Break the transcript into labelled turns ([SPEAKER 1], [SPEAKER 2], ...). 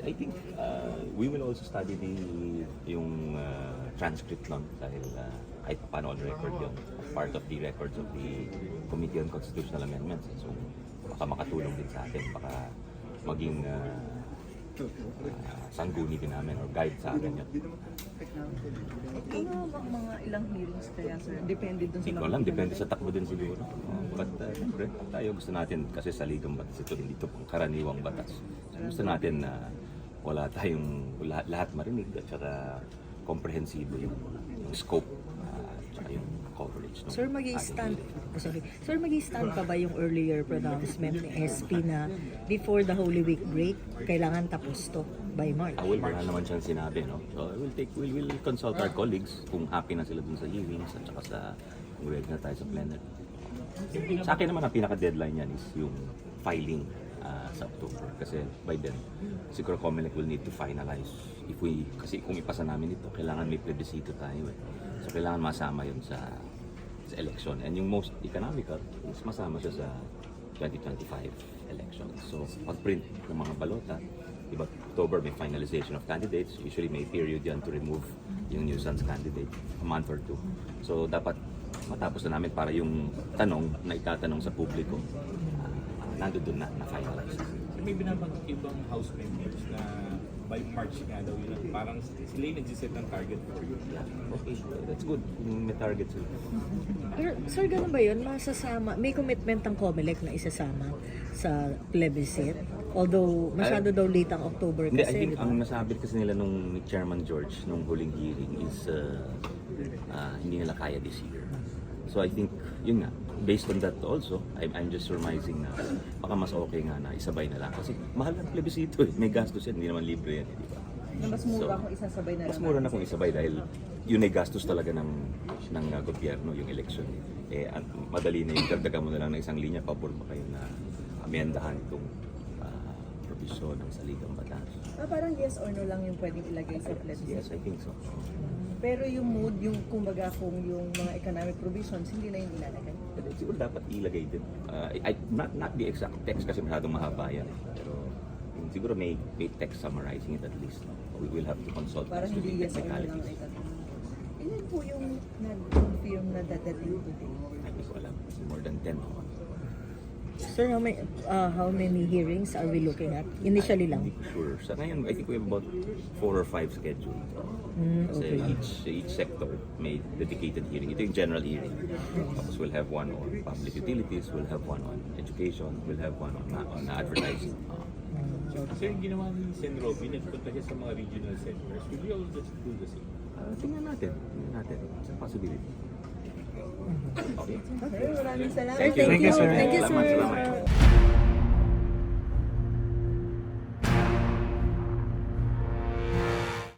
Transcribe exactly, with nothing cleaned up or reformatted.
[SPEAKER 1] I think uh, we will also study the yung uh, transcript nun dahil uh, kahit paano on record yun, part of the records of the Committee on Constitutional Amendments. So baka makatulong din sa atin, baka maging uh, uh, sangguni din namin or guide sa amin yun.
[SPEAKER 2] Ano bang mga ilang hearings kaya, sir? Depende dun sa
[SPEAKER 1] Hindi ko alam, depende sa takbo din siguro. Uh, but uh, siyempre, tayo gusto natin, kasi sa ligang batas ito, hindi ito pang karaniwang batas. So, gusto natin na wala tayong lahat, lahat marinig at saka komprehensibo yung, yung scope uh, at saka yung coverage. No?
[SPEAKER 3] Sir, mag-i-stand, oh, sorry. Sir, mag-i-stand pa ba yung earlier pronouncement ni S P na before the Holy Week break, kailangan tapos to by March?
[SPEAKER 1] Ah, well, wala naman siyang sinabi, no? So, we'll take, we'll, we'll consult our colleagues kung happy na sila dun sa hearings at saka sa, kung ready na tayo sa plenary. Sa akin naman, ang pinaka-deadline yan is yung filing uh, sa October. Kasi by then, siguro COMELEC will need to finalize. If we, kasi kung ipasa namin ito, kailangan may plebiscito tayo eh. So, kailangan masama yun sa, sa election. And yung most economical is masama siya sa twenty twenty-five election. So, pag-print ng mga balota, diba, October may finalization of candidates. Usually may period yan to remove yung nuisance candidate, a month or two. So, dapat matapos na namin para yung tanong na itatanong sa publiko, uh, nandun doon na, na-finalize.
[SPEAKER 4] So, may binabanggit ibang House members na by March nga daw yun, parang sila yung nagsiset ng target for you.
[SPEAKER 1] Yeah, okay, that's good. May target sila.
[SPEAKER 3] Pero, sir, ganun ba yun? Masasama, may commitment ang COMELEC na isasama sa plebiscite? Although, masyado daw late ang October
[SPEAKER 1] Hindi, I
[SPEAKER 3] kasi,
[SPEAKER 1] think
[SPEAKER 3] di ba?
[SPEAKER 1] ang nasabi kasi nila nung ni Chairman George nung huling hearing is uh, uh, hindi nila kaya this year. So I think, yun nga, based on that also, I'm, I'm just surmising na baka mas okay nga na isabay na lang. Kasi mahal ang plebisito eh, may gastos yan, hindi naman libre yan, eh, di ba?
[SPEAKER 2] Na mas mura kung isasabay na
[SPEAKER 1] Mas
[SPEAKER 2] lang.
[SPEAKER 1] mura na kung isabay dahil yun ay gastos talaga ng, ng uh, gobyerno, yung election. Eh, an- madali na yung dagdagan mo na lang ng isang linya, pabor ba kayo na amendahan itong uh, provision ng saligang batas.
[SPEAKER 2] Ah, parang yes or no lang yung pwedeng ilagay sa plebiscite.
[SPEAKER 1] Yes, I think so.
[SPEAKER 2] Pero yung mood, yung kumbaga kung yung mga economic provisions, hindi na yung ilalagay.
[SPEAKER 1] Pero siguro dapat ilagay din. Uh, I, not, not the exact text kasi masyadong mahaba yan. eh. Pero yung siguro may, may text summarizing it at least. No? We will have to consult
[SPEAKER 2] Parang
[SPEAKER 1] as to the
[SPEAKER 2] hindi yes or no lang
[SPEAKER 1] technicalities.
[SPEAKER 2] itatanong. Ilan po yung nag-confirm na dadating today?
[SPEAKER 1] Hindi ko alam. More than ten.
[SPEAKER 3] Sir, how many, uh, how many hearings are we looking at? Initially lang.
[SPEAKER 1] Hindi ko sure. Sa ngayon, I think we have about four or five scheduled.
[SPEAKER 3] Mm,
[SPEAKER 1] Kasi
[SPEAKER 3] okay.
[SPEAKER 1] each each sector may dedicated hearing. Ito yung general hearing. Tapos we'll have one on public utilities, we'll have one on education, we'll have one on, on advertising. Uh,
[SPEAKER 4] So yung ginawa ni Sen. Robby, nagpunta siya sa mga regional centers. Will you all just do the same?
[SPEAKER 1] uh, tingnan natin. Tingnan natin. It's a possibility. Okay.
[SPEAKER 2] Sir, maraming salamat.
[SPEAKER 1] Thank you.
[SPEAKER 3] Thank you, sir.
[SPEAKER 1] Salamat,
[SPEAKER 3] Thank you, sir.
[SPEAKER 1] salamat.